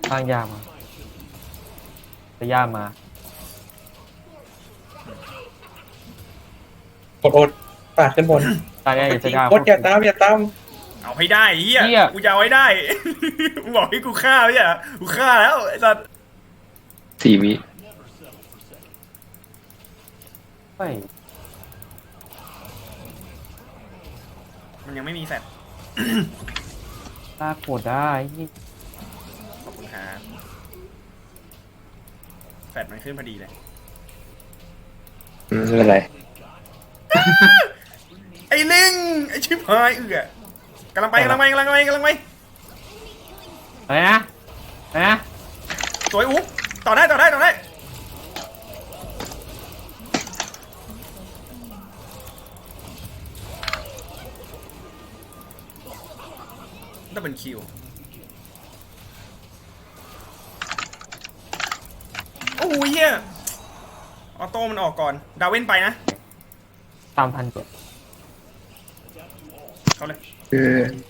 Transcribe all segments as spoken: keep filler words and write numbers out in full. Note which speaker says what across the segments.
Speaker 1: สร้างยามาจะย่ามา
Speaker 2: กดโอดปาดขึ้นบน
Speaker 1: ตายได้จะย่า
Speaker 2: โอดอย่าตามอย่าตาม
Speaker 3: เอาให้ได้เฮีย
Speaker 1: เหี้ย
Speaker 3: กูจะเอาให้ได้ กูบอกให้กูฆ่าไม่ใช่เหรอกูฆ่าแล้วไอ้สัส
Speaker 4: สี่วิ
Speaker 1: ไม่
Speaker 3: มันยังไม่มีแฟด
Speaker 1: ตาโกรธได้นี่
Speaker 3: ขอบคุณครับแฟดมันขึ้นพอดีเลย
Speaker 4: อืมไม่เป็นไร
Speaker 3: ไอ้ลิงไอ้ชิบหายเอือกำลังไปกำลังไปกำลังไปกำลังไป
Speaker 1: อะไรนะอะไรนะ
Speaker 3: สวยอุ๊ต่อได้ต่อได้ต่อได้ดับเบิลคิวโอ้ยเฮียออโต้มันออกก่อนดาเว้นไปนะ
Speaker 1: ตามทันเจ็ด
Speaker 3: เขาเลย
Speaker 4: คือ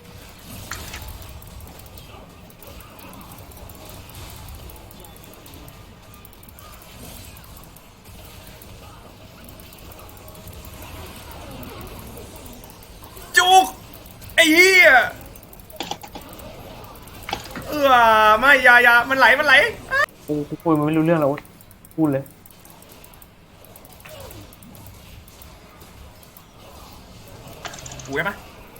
Speaker 3: จุกไอ้เหี้ยเออไม่อยาอยามันไหลมันไหล
Speaker 1: กูกูคุยมันไม่รู้เรื่องแล้วพูดเลย
Speaker 3: หูได้ปะ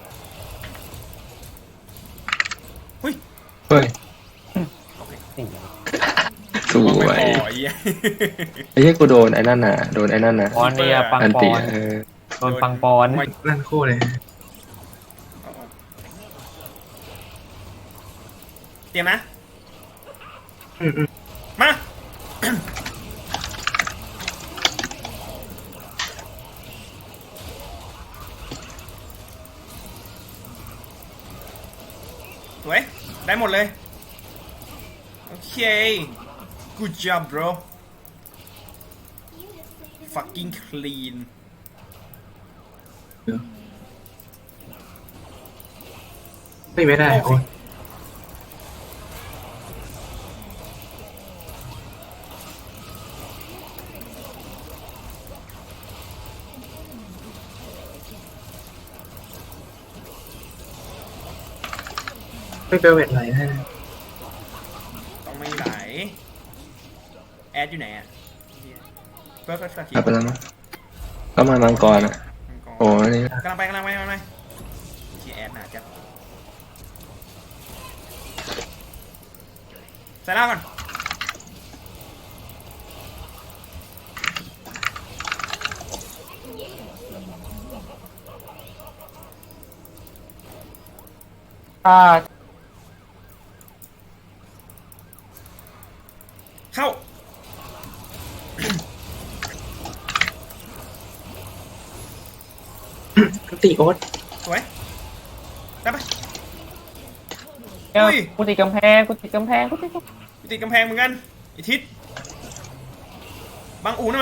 Speaker 3: เฮ้ย
Speaker 4: เฮ้ย
Speaker 1: สิ่ง
Speaker 4: สวย
Speaker 3: ไม่พอไอ้เหี้ย
Speaker 4: ไอ้เหี้ยกูโดนไอ้นั่นน่ะโดนไอ้นั่นน่ะ
Speaker 1: ปอนเนี่ยปัง
Speaker 4: อัน
Speaker 1: ปอ
Speaker 4: ติ
Speaker 1: น
Speaker 4: เออ
Speaker 1: โดนปังปอน
Speaker 2: นั่นคู่เลย
Speaker 3: เตรียมนะ
Speaker 2: อืมอืม
Speaker 3: มา สวย ได้หมดเลย โอเค good job bro fucking clean
Speaker 2: ไม่ไม่ได้โอ้ย ไม่เบลเวทไหลแน่
Speaker 3: ต้องไม่ไหล แอดอยู่ไหนอ่ะเฟิร์สเฟิร์สเฟิร์ส
Speaker 4: กลับไปแล้วมั้งก็มามังกรอ่ะโอ้อันนี่
Speaker 3: กำลังไปกำลังไปกำลังไปที่แอดหนาจัดใส่ล่าก่อน
Speaker 1: ถ้า
Speaker 3: เข้า
Speaker 2: ตีโอ๊ต
Speaker 3: สวย ได้ปะ
Speaker 1: เอ้า
Speaker 3: อุ้ย
Speaker 1: กูติดกำแพงกูติดกำแพงกูติดกำแพง
Speaker 3: ติดกำแพงเหมือนกันอีทิศบังอูหน่อย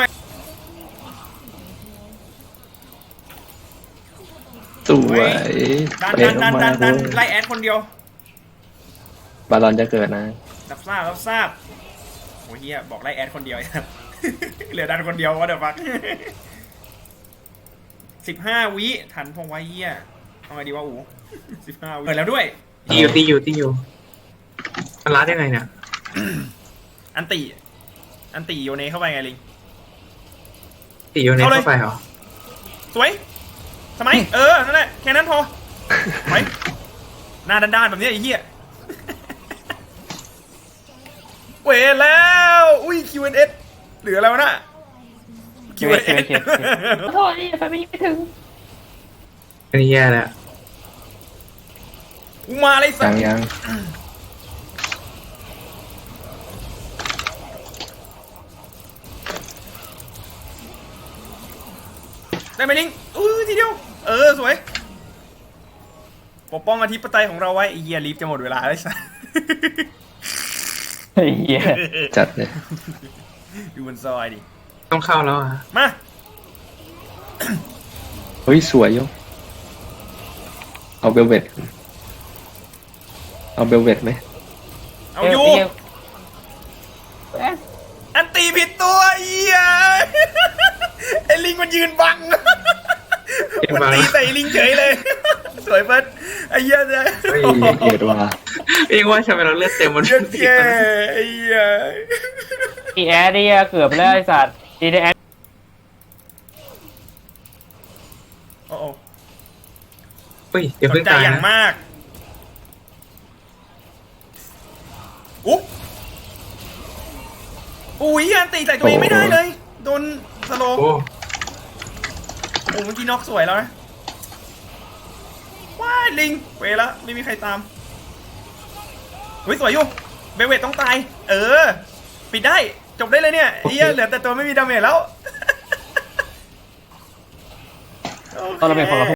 Speaker 4: สวย
Speaker 3: ดัน
Speaker 4: เป
Speaker 3: ดัน
Speaker 4: ล
Speaker 3: ดัน
Speaker 4: ง
Speaker 3: ดั
Speaker 4: มาน
Speaker 3: ดันไล่แอดคนเดียว
Speaker 4: บาลอนจะเกิดนะ
Speaker 3: รับทราบรับทราบโอ้ยเฮียบอกไล่แอดคนเดียว ครับ เหลือดันคนเดียววะเดี๋ยวฟัก สิบห้าวิทันพงไว้เฮียเอาไงดีวะอู สิบห้าวิเปิดแล้วด้วย
Speaker 2: ตีอยู่ตีอยู่ตีอยู่มันรัดยังไงเนี่ย
Speaker 3: อันติ อันติโยเนเข้าไปไงลิง
Speaker 2: ตีอยู่ใน
Speaker 3: เข้าเลย
Speaker 2: เข้าไปเหรอ
Speaker 3: สวยทำไม เออ นั่นแหละ แค่นั้นพอไปหน้าด้านๆแบบนี้ไอ้เหี้ย เวแล้ว อุ้ย คิว เอ็น เอส เหลืออะไรวะน่ะ คิว เอ็น เอส
Speaker 1: โทษนี่ไฟไม่ไม่ถึง
Speaker 2: อันนี้แย่แล้ว
Speaker 3: กูมาเลยสั
Speaker 4: ยั
Speaker 3: ต
Speaker 4: ง
Speaker 3: ว์
Speaker 4: ยัง
Speaker 3: ได้ไหมลิงอุ้ยทีเดียว เออ สวย ปกป้องอธิปไตยของเราไว้ไอ้เหี้ยลิฟจะหมดเวลาแล้วสัส
Speaker 1: ไอ้เหี้ย
Speaker 4: จัดเลย
Speaker 3: ดูบนซอยดิ
Speaker 2: ต้องเข้าแล้วอ่ะ
Speaker 3: มา
Speaker 4: เฮ้ยสวยยกเอาเบลเวตเอาเบลเวตไหม
Speaker 3: เอาอยู่
Speaker 1: เอ้ย
Speaker 3: ตัวเหี้ยไอ้ลิงมันยืนบังมันตีใส่ลิงเฉยเลย สวยเฟิร์สไอ้เหี้ยเนี่ย
Speaker 2: เฮ้ย
Speaker 4: เกลียดว่ะ
Speaker 2: เองว่าทำไมเราเลือดเต็มหมด
Speaker 3: เหี้ยแย่ไอ้เหี้ย
Speaker 1: อีแอดเนี่ยเกือบแล้วไอ้สัตว์อีแอด
Speaker 3: โอ้โห
Speaker 2: เฮ้ยเดี๋ยว
Speaker 3: ส
Speaker 2: เพิ่
Speaker 3: น
Speaker 2: ง
Speaker 3: ใจ
Speaker 2: ตาย
Speaker 3: อย่าง
Speaker 2: นะ
Speaker 3: มากอุ๊บอุ้ยอันตีใส่ตัวเองไม่ได้เลยโดนสโลว์
Speaker 2: โอ้
Speaker 3: โอ้เมื่อกี้น็อกสวยแล้วนะว้ายลิงเวละไม่มีใครตามเฮ้ยสวยอยู่เบลเวตต้องตายเออปิดได้จบได้เลยเนี่ยเฮียเหลือแต่ตัวไม่มีดาเมจแล้ว
Speaker 1: ตอนเราเป็นของเรา